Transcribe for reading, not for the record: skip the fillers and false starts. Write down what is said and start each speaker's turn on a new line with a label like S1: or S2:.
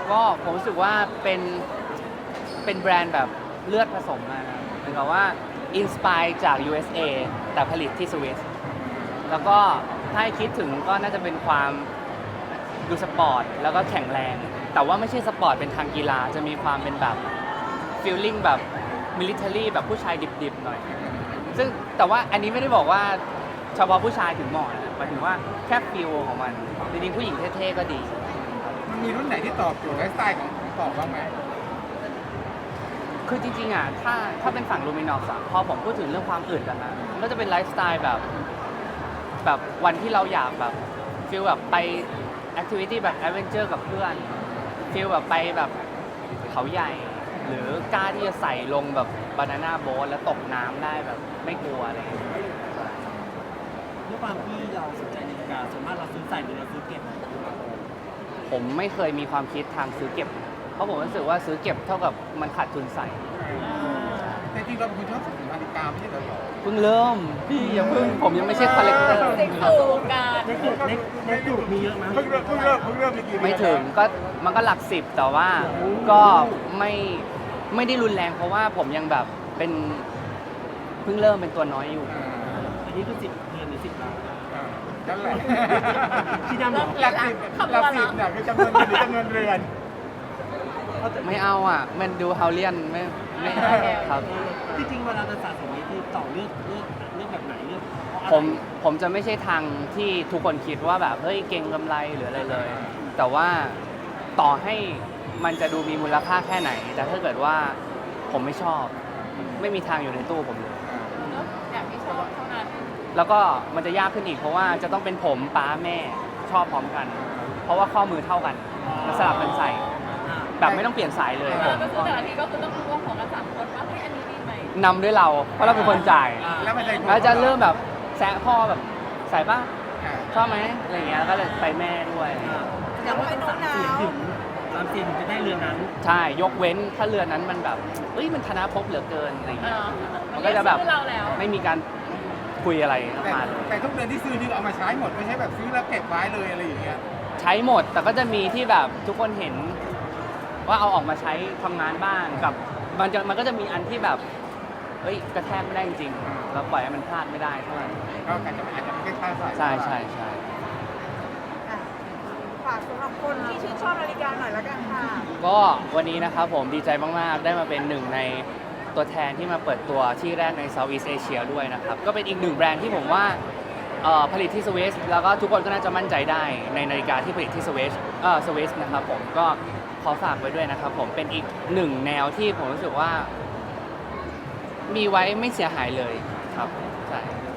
S1: ก็ผมรู้สึกว่าเป็นแบรนด์แบบเลือดผสมมานะเหมือนกับว่าอินสปายจาก USA แต่ผลิตที่สวิสแล้วก็ถ้าให้คิดถึงก็น่าจะเป็นความดูสปอร์ตแล้วก็แข็งแรง แต่ว่าไม่ใช่สปอร์ตเป็นทางกีฬาจะมีความเป็นแบบฟีลลิ่งแบบมิลิเทอรี่แบบผู้ชายดิบๆหน่อยซึ่งแต่ว่าอันนี้ไม่ได้บอกว่าเฉพาะผู้ชายถึงเหมาะนะหมายถึงว่าแค่ฟีลของมันจริงๆผู้หญิงเท่ๆก็ดี
S2: มันมีรุ่นไหนที่ตอบโจทย์ไลฟ์สไตล์ของตอบบ้างไหม
S1: คือจริงๆอ่ะถ้าเป็นฝั่งลูมินอสพอผมพูดถึงเรื่องความอึดอะนะมันก็จะเป็นไลฟ์สไตล์แบบวันที่เราอยากแบบฟีลแบบไปแอคทิวิตี้แบบแอดเวนเจอร์กับเพื่อนฟีลแบบไปแบบเขาใหญ่ หรือกล้าที่จะใส่ลงแบบบานาน่าโบ๊ทแล้วตกน้ำได้แบบไม่กลัวอะไรอย่างเงี้ย
S3: ด้วยความที่เราสนใจนาฬิกาส่วนมากเราซื้อใส่หรือเราซื้อเก็บ
S1: ผมไม่เคยมีความคิดทางซื้อเก็บ เพราะผมรู้สึกว่าซื้อเก็บเท่ากับมันขาดทุนใส่
S2: แต่จริงเราเป็นคนชอบสะสมนาฬิกาไม่ใช่เหรอ
S1: เพิ่งเริ่มพี่อย่าเพิ่งผมยังไม่ใช่คอลเลกเตอร์
S4: เด็กเข้าวงการ
S3: ในกลุ่มมีเยอะไหม
S2: เพิ่งเริ่มมีกี่เดือน
S1: ไม่ถึงก็มันก็หลักสิบแต่ว่าก็ไม่ได้รุนแรงเพราะว่าผมยังแบบเป็นเพิ่งเริ่มเป็นตัวน้อยอยู่
S3: อันนี้คือ10 เดือนหรือ10 ล้าน
S2: นั่นแหละ
S3: ที่ดำเหรอ
S2: หลักสิบเนี่ยคือจำนวนเงินหรือจำนวนเรือน
S1: ไม่เอาอ่ะ มันดูเฮาเลียนไม่ครับ
S3: จริงๆเวลาจะสะสมนี้คือต่อเลือกแบบไหนเลือกเพราะอะไร
S1: ผมจะไม่ใช่ทางที่ทุกคนคิดว่าแบบเฮ้ยเก่งกำไรหรืออะไรเลย แต่ว่าต่อให้มันจะดูมีมูลค่าแค่ไหน แต่ถ้าเกิดว่าผมไม่ชอบ ไม่มีทางอยู่ในตู้ผมเลย
S4: อย่างที่ชอบเท่านั้น
S1: แล้วก็มันจะยากขึ้นอีกเพราะว่าจะต้องเป็นผมป้าแม่ชอบพร้อมกัน เพราะว่าข้อมือเท่ากันแล้วสลับกันใส่
S3: อ่า
S1: แบบไม่ต้องเปลี่ยนสายเลยผม
S4: ก็คือแต่ละทีก็คือต้องรู้ว่าของกัน3 คนว่าเฮ้ยอันนี้ดีไหม
S1: นำด้วยเราเพราะเราเป็นคนจ่าย
S2: แล้วมันใจ
S1: แล้วจะเริ่มแบบแซะพ่อแบบใส่ป่ะ
S2: อ่า
S1: ชอบไหมอะไรเงี้ยก็เลยไปแม่ด้วย
S3: แสดงว่าต้อง3 เสียงถึงจะได้เรือนั้น
S1: ใช่ยกเว้นถ้าเรือนั้นมันแบบเอ้ยมันธนาภพเหลือเกินอะไรเงี้ยมันก็จะแบบ
S4: เราแล้ว
S1: ไม่มีการคุยอะไรมาเลย
S2: แต่ทุกเดือนที่ซื้อนี่ก็เอามาใช้หมดไม่ใช่แบบซื้อแล้วเก็บไว้เลยอะไรอย่างเงี้ย
S1: ใช้หมดแต่ก็จะมีที่แบบทุกคนเห็นว่าเอาออกมาใช้ทำงานบ้างกับมันก็จะมีอันที่แบบเอ้ยกระแทกไม่ได้จริงๆเราปล่อยให้มันพลาดไม่ได้เท่าไหร่
S2: ก็อาจจะไม่ใช่ค่าใส่
S1: ใช่ใช่ใช่
S5: อ่ะฝากสำหรับคนที่ชื่นชอบนาฬิกาหน่อยละกันค่ะ
S1: ก็วันนี้นะครับผมดีใจมาก ๆ ได้มาเป็นหนึ่งในตัวแทนที่มาเปิดตัวที่แรกใน Southeast Asia ด้วยนะครับ ก็เป็นอีกหนึ่งแบรนด์ที่ผมว่าผลิตที่สวิสแล้วก็ทุกคนก็น่าจะมั่นใจได้ในนาฬิกาที่ผลิตที่สวิสนะครับผมก็ขอฝากไว้ด้วยนะครับผมเป็นอีกหนึ่งแนวที่ผมรู้สึกว่า มีไว้ไม่เสียหายเลยครับใช่